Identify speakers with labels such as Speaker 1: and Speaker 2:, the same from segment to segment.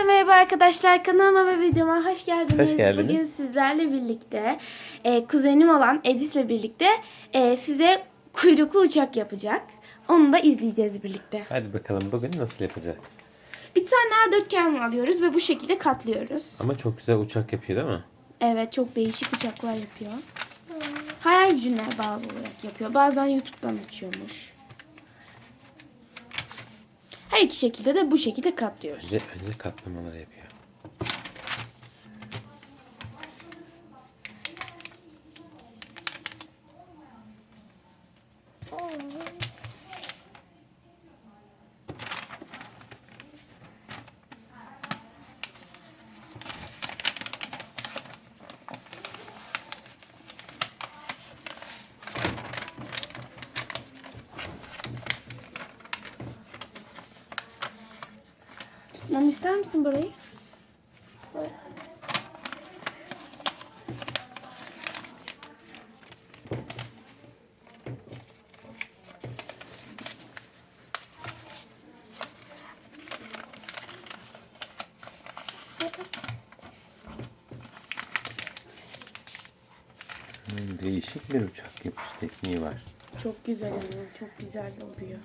Speaker 1: merhaba arkadaşlar, kanalıma ve videoma hoş geldiniz.
Speaker 2: Hoş geldiniz.
Speaker 1: Bugün sizlerle birlikte kuzenim olan Edis'le birlikte size kuyruklu uçak yapacak. Onu da izleyeceğiz birlikte.
Speaker 2: Hadi bakalım bugün nasıl yapacak?
Speaker 1: Bir tane A4 kağıt alıyoruz ve bu şekilde katlıyoruz.
Speaker 2: Ama çok güzel uçak yapıyor değil mi?
Speaker 1: Evet, çok değişik uçaklar yapıyor. Hayal gücüne bağlı olarak yapıyor. Bazen YouTube'dan açıyormuş. Her iki şekilde de bu şekilde katlıyoruz.
Speaker 2: Önce katlamaları yapıyor.
Speaker 1: Tutmamı ister misin burayı?
Speaker 2: Değişik bir uçak yapış tekniği var.
Speaker 1: Çok güzel ama çok güzel oluyor.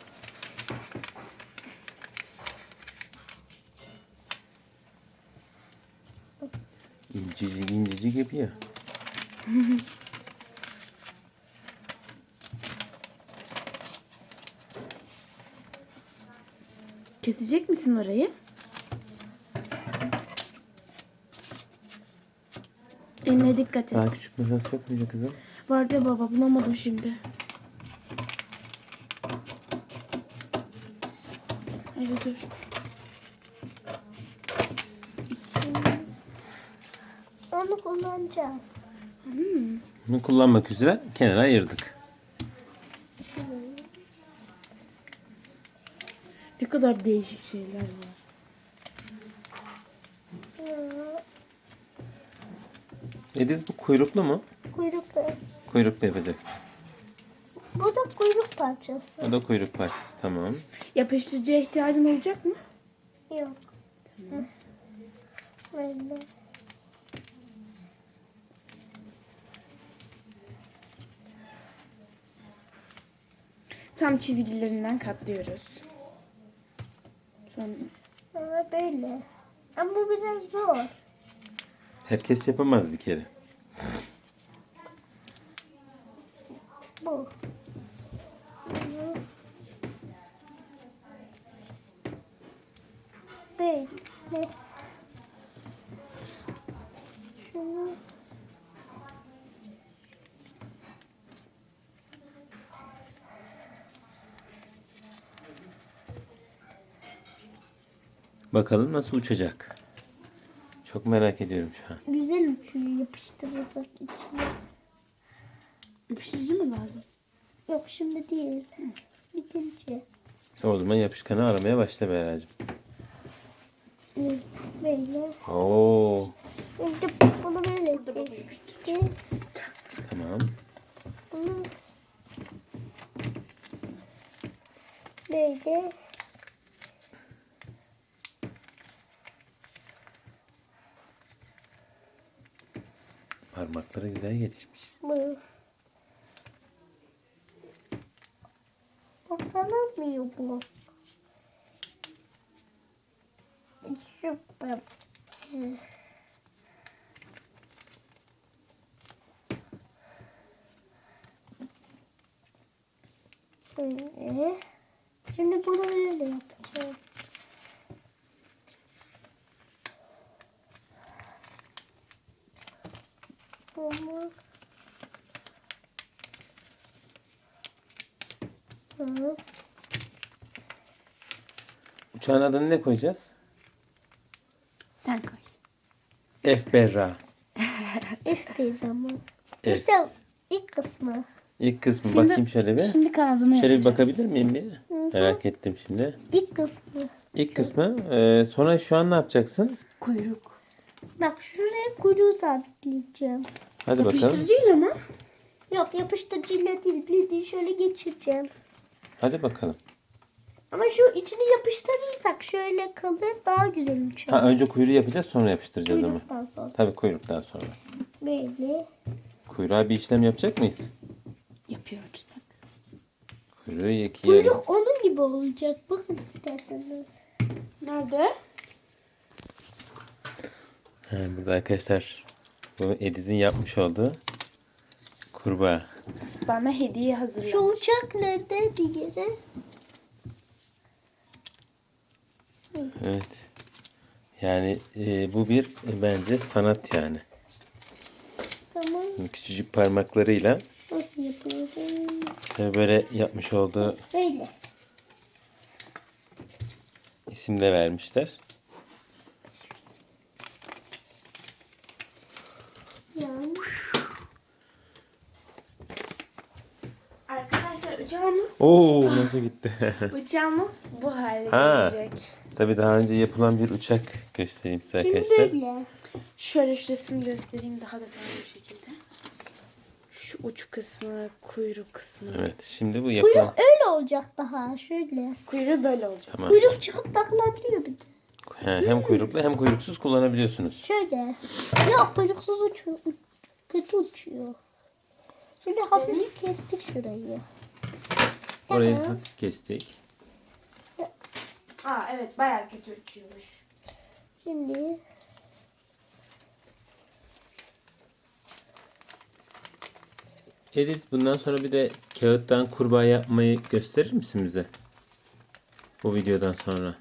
Speaker 2: İncecik incecik yapıyor.
Speaker 1: Kesecek misin orayı? Eline dikkat et.
Speaker 2: Daha küçük makas yok muydu kızım?
Speaker 1: Vardı ya baba, bulamadım şimdi. Evet, dur.
Speaker 3: Onu kullanacağız.
Speaker 2: Bunu kullanmak üzere kenara ayırdık.
Speaker 1: Ne kadar değişik şeyler var.
Speaker 2: Ediz bu kuyruklu mu?
Speaker 3: Kuyruklu.
Speaker 2: Kuyruklu yapacaksın.
Speaker 3: Bu da kuyruk parçası.
Speaker 2: O da kuyruk parçası, tamam.
Speaker 1: Yapıştırıcıya ihtiyacın olacak mı?
Speaker 3: Yok. Hı. Böyle.
Speaker 1: Tam çizgilerinden katlıyoruz. Sonra
Speaker 3: Sonra böyle. Ama bu biraz zor.
Speaker 2: Herkes yapamaz bir kere.
Speaker 3: Bu. Bunu böyle. Şunu
Speaker 2: Bakalım nasıl uçacak. Çok merak ediyorum şu an.
Speaker 3: güzel uçuyor yapıştırırsak içine.
Speaker 1: yapıştırıcı mı lazım?
Speaker 3: Yok şimdi değil. Bitince.
Speaker 2: O zaman yapışkanı aramaya başla Beracığım.
Speaker 3: Böyle.
Speaker 2: Oo,
Speaker 3: Şimdi bunu böyle çekti.
Speaker 2: tamam.
Speaker 3: Bunu böyle.
Speaker 2: Parmakları güzel gelişmiş.
Speaker 3: Bu. Ortalanmıyor bu. Süper. Böyle. Şimdi bunu böyle yapacağım. Bunu. Hı.
Speaker 2: Uçağın adını ne koyacağız?
Speaker 1: Sen koy.
Speaker 2: F Berra.
Speaker 3: F zaman.
Speaker 2: F.
Speaker 3: İşte ilk kısmı.
Speaker 2: İlk kısmı
Speaker 1: Şimdi-
Speaker 2: bakayım şöyle bir.
Speaker 1: Şimdi kanadını
Speaker 2: Şöyle bir
Speaker 1: yapacağız.
Speaker 2: bakabilir miyim bir?
Speaker 3: Hı.
Speaker 2: Merak ettim şimdi.
Speaker 3: İlk kısmı.
Speaker 2: İlk kısmı. Sonra şu an ne yapacaksın?
Speaker 1: Kuyruk.
Speaker 3: Bak şuraya kuyruğu sabitleyeceğim.
Speaker 2: Hadi bakalım.
Speaker 1: Yapıştırıcıyla mı?
Speaker 3: Yok yapıştırıcıyla değil bildiğin şöyle geçireceğim.
Speaker 2: Hadi bakalım.
Speaker 3: Ama şu içini yapıştırırsak şöyle kalır, daha güzel uçar.
Speaker 2: Ha, önce kuyruğu yapacağız, sonra yapıştıracağız ama.
Speaker 3: Kuyruktan sonra.
Speaker 2: Tabii kuyruktan sonra.
Speaker 3: Böyle.
Speaker 2: Kuyruğa bir işlem yapacak mıyız?
Speaker 1: Yapıyoruz bak.
Speaker 2: Kuyruğu ikiye...
Speaker 3: Kuyruk onun gibi olacak. Bakın isterseniz.
Speaker 1: Nerede?
Speaker 2: Ha, burada arkadaşlar bu Ediz'in yapmış olduğu kurbağa.
Speaker 1: Bana hediye
Speaker 3: Şu
Speaker 1: hazırlamış.
Speaker 3: uçak nerede diğeri?
Speaker 2: Evet. Yani bu bir bence sanat yani.
Speaker 3: Tamam.
Speaker 2: Küçücük parmaklarıyla
Speaker 3: Nasıl yapıyorum?
Speaker 2: böyle yapmış olduğu
Speaker 3: Böyle.
Speaker 2: isim de vermişler.
Speaker 3: Yani.
Speaker 1: Arkadaşlar uçağımız
Speaker 2: Oo, nasıl gitti?
Speaker 1: bu hale
Speaker 2: Ha.
Speaker 1: gelecek.
Speaker 2: Tabii daha önce yapılan bir uçak göstereyim size
Speaker 3: Şimdi
Speaker 2: arkadaşlar.
Speaker 3: böyle.
Speaker 1: Şöyle şurasını göstereyim daha detaylı bir şekilde. Şu uç kısmı, kuyruk kısmı.
Speaker 2: Evet, şimdi bu yapılan...
Speaker 3: Kuyruk öyle olacak daha. Şöyle.
Speaker 1: Kuyruğu böyle olacak.
Speaker 2: Tamam.
Speaker 3: Kuyruk çıkıp takılabiliyor bir de.
Speaker 2: Hem kuyruklu hem kuyruksuz kullanabiliyorsunuz.
Speaker 3: Şöyle. Yok kuyruksuz uçuyor. Kötü uçuyor. Şöyle hafif kestik şurayı.
Speaker 2: Orayı
Speaker 3: Tamam.
Speaker 2: hafif kestik.
Speaker 1: Aa evet bayağı kötü uçuyormuş.
Speaker 3: Şimdi
Speaker 2: Ediz, bundan sonra bir de kağıttan kurbağa yapmayı gösterir misin bize? Bu videodan sonra.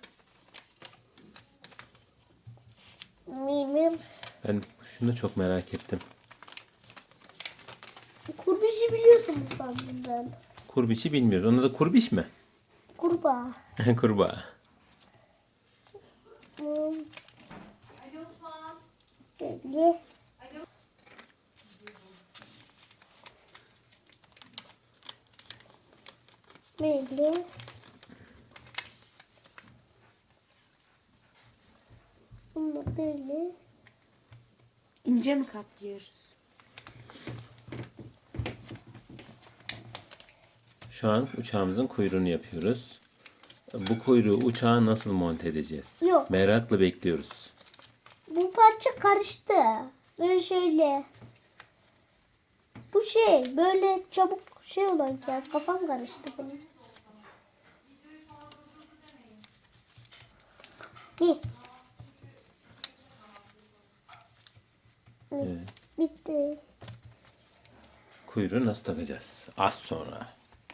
Speaker 3: mimim
Speaker 2: Ben şunu da çok merak ettim.
Speaker 3: kurbişi biliyorsunuz sandım ben.
Speaker 2: Kurbişi bilmiyoruz. Ona da kurbiş mi?
Speaker 3: Kurbağa.
Speaker 2: Kurbağa.
Speaker 3: Hmm. Böyle. Böyle. Bunu da böyle.
Speaker 1: İnce mi kaplıyoruz?
Speaker 2: Şu an uçağımızın kuyruğunu yapıyoruz. Bu kuyruğu uçağa nasıl monte edeceğiz?
Speaker 3: Yok.
Speaker 2: Merakla bekliyoruz.
Speaker 3: Bu parça karıştı. Böyle şöyle. Bu şey böyle çabuk şey olan ya. Kafam karıştı bunun. Ne?
Speaker 2: Evet.
Speaker 3: Bitti.
Speaker 2: Kuyruğu nasıl takacağız? Az sonra.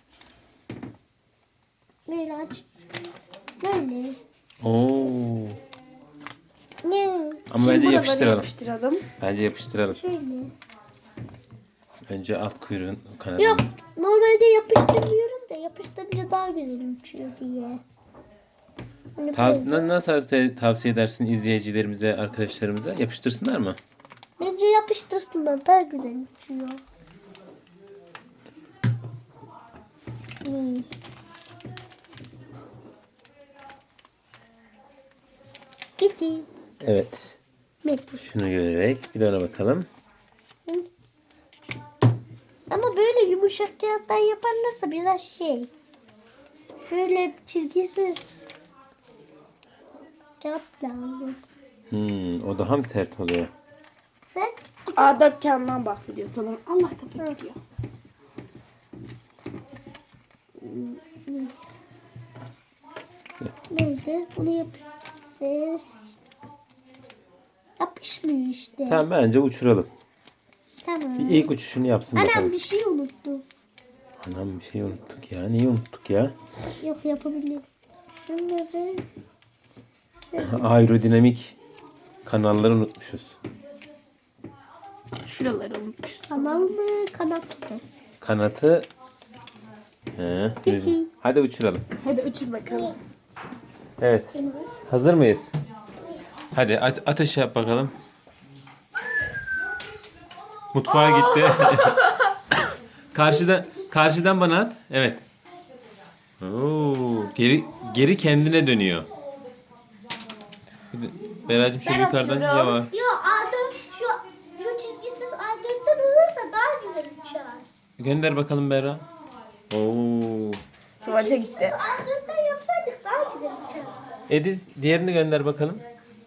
Speaker 3: Böyle aç. Böyle.
Speaker 2: Oo.
Speaker 3: Ne?
Speaker 2: Ama
Speaker 1: Şimdi
Speaker 2: bence
Speaker 1: bunu
Speaker 2: yapıştıralım.
Speaker 1: böyle yapıştıralım.
Speaker 2: Bence yapıştıralım.
Speaker 3: Şöyle.
Speaker 2: Önce alt kuyruğun kanadını.
Speaker 3: Yok. Normalde yapıştırmıyoruz da yapıştırınca daha güzel uçuyor diye. Hani böyle.
Speaker 2: Nasıl tavsiye edersin izleyicilerimize, arkadaşlarımıza? Yapıştırsınlar mı?
Speaker 3: Bence yapıştırsınlar daha güzel uçuyor. Hmm. Bitti.
Speaker 2: Evet.
Speaker 3: Mektup.
Speaker 2: Şunu görerek bir de ona bakalım.
Speaker 3: Ama böyle yumuşak kağıttan yaparlarsa biraz şey. Şöyle çizgisiz kağıt lazım.
Speaker 2: O daha mı sert oluyor?
Speaker 3: Sen
Speaker 1: A4 kağıdından bahsediyor sanırım. Allah kapı gidiyor.
Speaker 3: neydi? Bunu yapıyoruz. Yapışmıyor işte.
Speaker 2: Tamam, bence uçuralım.
Speaker 3: Tamam.
Speaker 2: Bir ilk uçuşunu yapsın
Speaker 3: Anam
Speaker 2: bakalım.
Speaker 3: bir şey unuttum.
Speaker 2: Anam bir şey unuttuk ya. Neyi unuttuk ya?
Speaker 3: Yok yapabilirim. Bunları
Speaker 2: Aerodinamik kanalları unutmuşuz.
Speaker 1: Şuraları unutmuşuz.
Speaker 3: kanal mı kanat mı?
Speaker 2: Kanatı...
Speaker 3: Peki.
Speaker 2: Hadi uçuralım.
Speaker 1: Hadi uçur bakalım.
Speaker 2: Evet. Hazır mıyız? Hadi ateş yap bakalım. Mutfağa gitti. Karşıdan bana at. Evet. Oo, geri kendine dönüyor. Beracığım şöyle
Speaker 1: Ben
Speaker 2: yukarıdan
Speaker 1: atıyorum.
Speaker 2: yavaş.
Speaker 3: Yok A4 şu çizgisiz A4'ten olursa daha güzel uçar.
Speaker 2: Gönder bakalım Berra. Oo.
Speaker 1: Tuvalete gitti.
Speaker 3: A4'ten yapsaydık
Speaker 2: Ediz diğerini gönder bakalım.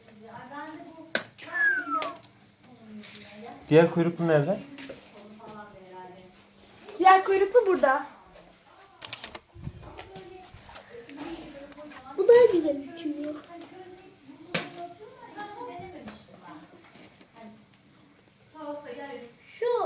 Speaker 2: Diğer kuyruklu nerede?
Speaker 1: Diğer kuyruklu burada.
Speaker 3: Bu daha güzel uçuyor. Şu.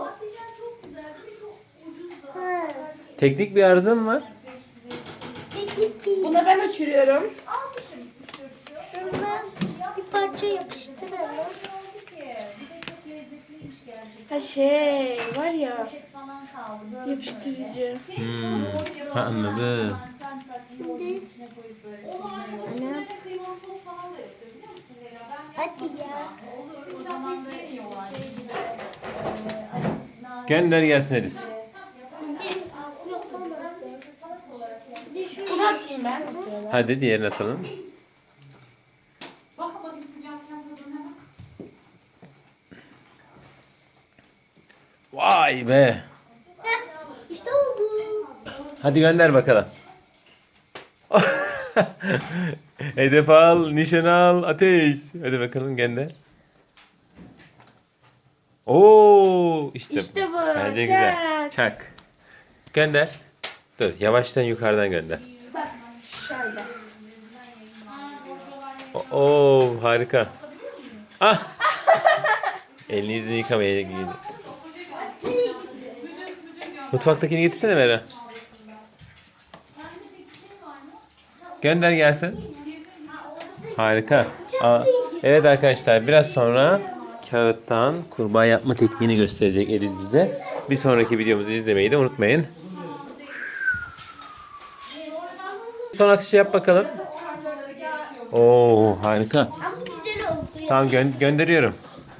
Speaker 3: Ha.
Speaker 2: Teknik bir arıza mı var?
Speaker 3: Teknik değil.
Speaker 1: Bunu ben uçuruyorum.
Speaker 3: Şundan bir parça yapıştıralım.
Speaker 1: Ha şey var ya. Yapıştırıcı.
Speaker 2: Ha, anladım.
Speaker 3: Şimdi hadi ya.
Speaker 2: Gönder gelsin Ediz.
Speaker 1: Bunu atayım ben bu sırada.
Speaker 2: Hadi diğerini atalım. Vay be.
Speaker 3: İşte oldu.
Speaker 2: Hadi gönder bakalım. Hedef al, nişan al, ateş. Hadi bakalım gönder. Oo, işte
Speaker 1: İşte bu.
Speaker 2: Bence güzel.
Speaker 1: Çak.
Speaker 2: Çak. Gönder. Dur, yavaştan yukarıdan gönder.
Speaker 1: Bak şöyle.
Speaker 2: Oo, harika. Ah. Elini yüzünü yıkamaya gidiyor. Mutfaktakini getirsene Mera. Gönder gelsin. Harika. Evet arkadaşlar, biraz sonra kağıttan kurbağa yapma tekniğini gösterecek Ediz bize. Bir sonraki videomuzu izlemeyi de unutmayın. Son atışı yap bakalım. Oo, harika.
Speaker 3: Ama güzel oldu ya.
Speaker 2: Tamam, gönderiyorum.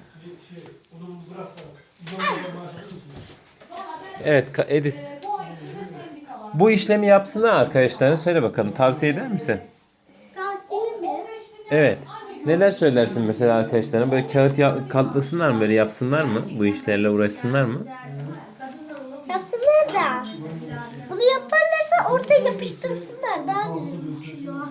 Speaker 2: Evet Ediz. Bu işlemi yapsınlar arkadaşlarına, söyle bakalım. Tavsiye eder misin?
Speaker 3: Tavsiye mi?
Speaker 2: Evet. Neler söylersin mesela arkadaşlarına? Böyle kağıt katlasınlar mı? Böyle yapsınlar mı? Bu işlerle uğraşsınlar mı?
Speaker 3: Yapsınlar da. Bunu yaparlarsa ortaya yapıştırsınlar. Daha güzel uçuyor.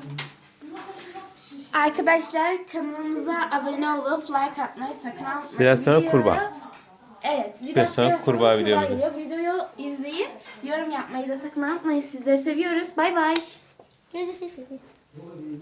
Speaker 1: Arkadaşlar kanalımıza abone olup like atmayı sakın unutmayın.
Speaker 2: Biraz sonra kurbağa.
Speaker 1: Evet.
Speaker 2: Biraz sonra kurbağa videomuzu.
Speaker 1: geliyor. Videoyu izleyip yorum yapmayı da sakın unutmayın. Sizleri seviyoruz. Bay bay.
Speaker 3: Görüşürüz.